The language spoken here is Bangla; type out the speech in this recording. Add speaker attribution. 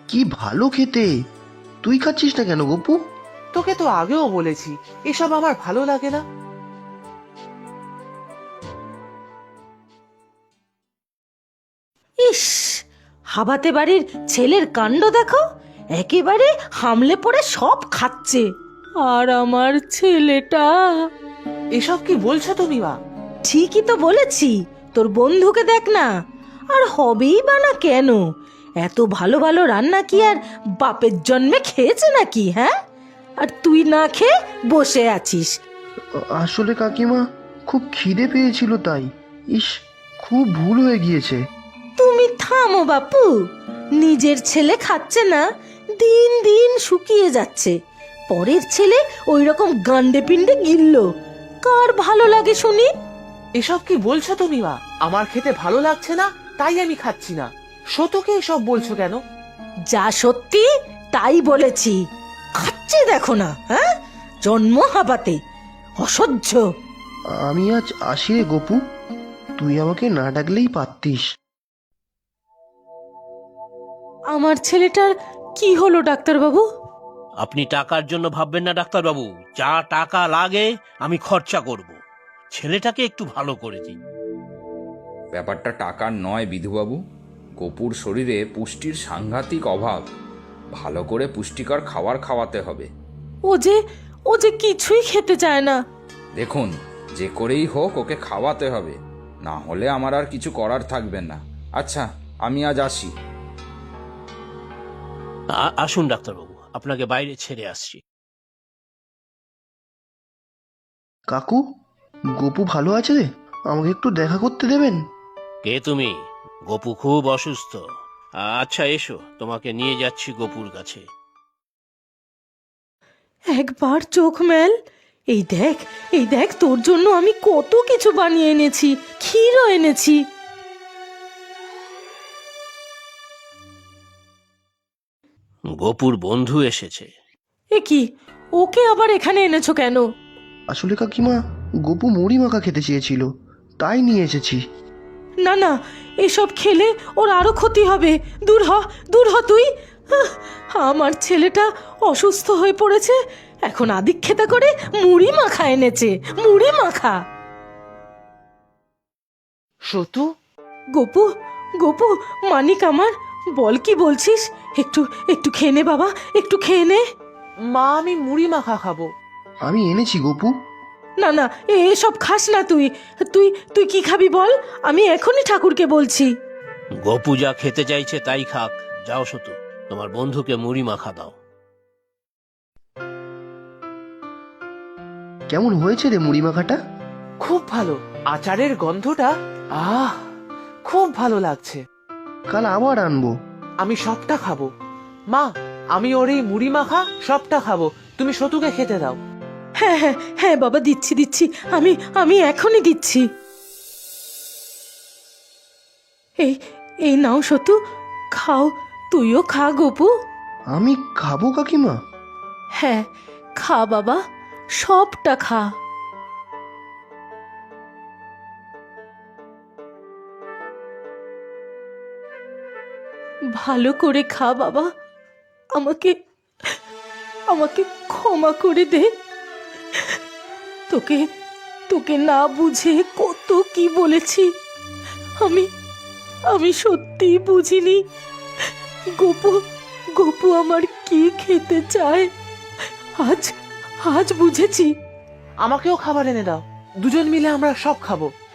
Speaker 1: কি ভালো খেতে। তুই খাচ্ছিস না কেন গপু?
Speaker 2: তোকে তো আগেও বলেছি এসব আমার ভালো লাগে না।
Speaker 3: ইস, হাবাতে বাড়ির ছেলের কাণ্ড দেখো, একেবারে হামলে পড়ে সব খাচ্ছে। আর আমার ছেলেটা।
Speaker 2: এসব কি বলছো তুমি মা?
Speaker 3: ঠিকই তো বলেছি, তোর বন্ধুকে দেখ না। আর হবেই বা না কেন? এত ভালো ভালো রান্না কি আর বাপের জন্মে খেয়েছে নাকি? হ্যাঁ, আর তুই না খেয়ে বসে আছিস।
Speaker 1: আসলে কাকিমা, খুব খিদে পেয়েছিল তাই। ইস, খুব ভুল হয়ে গিয়েছে।
Speaker 3: তুমি থামো বাপু, নিজের ছেলে খাচ্ছে না, দিন দিন শুকিয়ে যাচ্ছে, পরের ছেলে ওই রকম গান্ডে পিণ্ডে গিলল, কার ভালো লাগে শুনি?
Speaker 2: এসব কি বলছো তুমি মা? আমার খেতে ভালো লাগছে না তাই আমি খাচ্ছি না। সতকে এসব বলছো কেন?
Speaker 3: যা সত্যি তাই বলেছি। খাচ্ছে দেখো না, হ্যাঁ, জন্ম হাবাতে, অসহ্য।
Speaker 1: আমি আজ আসি রে গপু, তুই আমাকে না ডাকলেই পারতিস।
Speaker 3: আমার ছেলেটার কি হলো ডাক্তারবাবু?
Speaker 4: আপনি টাকার জন্য ভাববেন না ডাক্তারবাবু, যা টাকা লাগে আমি খরচা করব। ছেলেটাকে একটু ভালো করে দিন।
Speaker 5: ব্যাপারটা টাকার নয় বিধুবাবু, গপুর শরীরে পুষ্টির সাংঘাতিক অভাব। ভালো করে পুষ্টিকর খাবার খাওয়াতে হবে।
Speaker 3: ও যে কিছুই খেতে চায় না।
Speaker 5: দেখুন, যে করেই হোক ওকে খাওয়াতে হবে, না হলে আমার আর কিছু করার থাকবে না। আচ্ছা, আমি আজ আসি।
Speaker 4: আসুন ডাক্তারবাবু, আপনাকে বাইরে ছেড়ে আসছি।
Speaker 1: কাকু, গপু ভালো আছে রে? আমাকে একটু দেখা করতে দেবেন?
Speaker 4: কে তুমি? গপু খুব অসুস্থ। আচ্ছা এসো, তোমাকে নিয়ে যাচ্ছি গপুর কাছে।
Speaker 3: একবার চোখ মেল, এই দেখ তোর জন্য আমি কত কিছু বানিয়ে এনেছি, ক্ষীরও এনেছি।
Speaker 4: গপুর বন্ধু এসেছে।
Speaker 3: এ কি, ওকে আবার এখানে এনেছো কেন?
Speaker 1: আসলে কাকিমা, গপু মুড়ি মাখা খেতে চেয়েছিল, তাই নিয়ে এসেছি।
Speaker 3: না না, এসব খেলে ওর আরো ক্ষতি হবে। দূর হ তুই। আহ, আমার ছেলেটা অসুস্থ হয়ে পড়েছে, এখন আদিক্ষেতা করে মুড়ি মাখা এনেছে, মুড়ি মাখা।
Speaker 2: সতু,
Speaker 3: গোপু, গোপু, মানিক আমার, বল কি বলছিস? একটু একটু খেয়ে নে বাবা, একটু খেয়ে নে।
Speaker 2: মা আমি মুড়ি মাখা খাবো।
Speaker 1: আমি এনেছি গপু।
Speaker 3: না না, এসব খাস না তুই। তুই তুই কি খাবি বল, আমি এখনই ঠাকুরকে বলছি।
Speaker 4: গপু যা খেতে চাইছে তাই খাক। যাও সতু, তোমার বন্ধুকে মুড়ি মাখা দাও।
Speaker 1: কেমন হয়েছে রে মুড়ি মাখাটা?
Speaker 2: খুব ভালো, আচারের গন্ধটা আহ খুব ভালো লাগছে।
Speaker 1: কাল আবার আনবো।
Speaker 2: আমি সবটা খাবো। মা, আমি ওর এই মুড়ি মাখা সবটা খাবো, তুমি সতুকে খেতে দাও।
Speaker 3: হ্যাঁ হ্যাঁ হ্যাঁ বাবা, দিচ্ছি, আমি আমি এখনই দিচ্ছি। এই এই নাও সতু, খাও, তুইও খা গোপু।
Speaker 1: আমি খাবো কাকিমা?
Speaker 3: হ্যাঁ, খা বাবা, সবটা খা। ভালো করে খা বাবা, আমাকে আমাকে ক্ষমা করে দে। তোকে তোকে না বুঝে কত কি বলেছি। আমি আমি সত্যি বুঝিনি গপু গপু আমার কি খেতে চায়। আজ আজ বুঝেছি।
Speaker 2: আমাকেও খাবার এনে দাও, দুজন মিলে আমরা সব খাবো।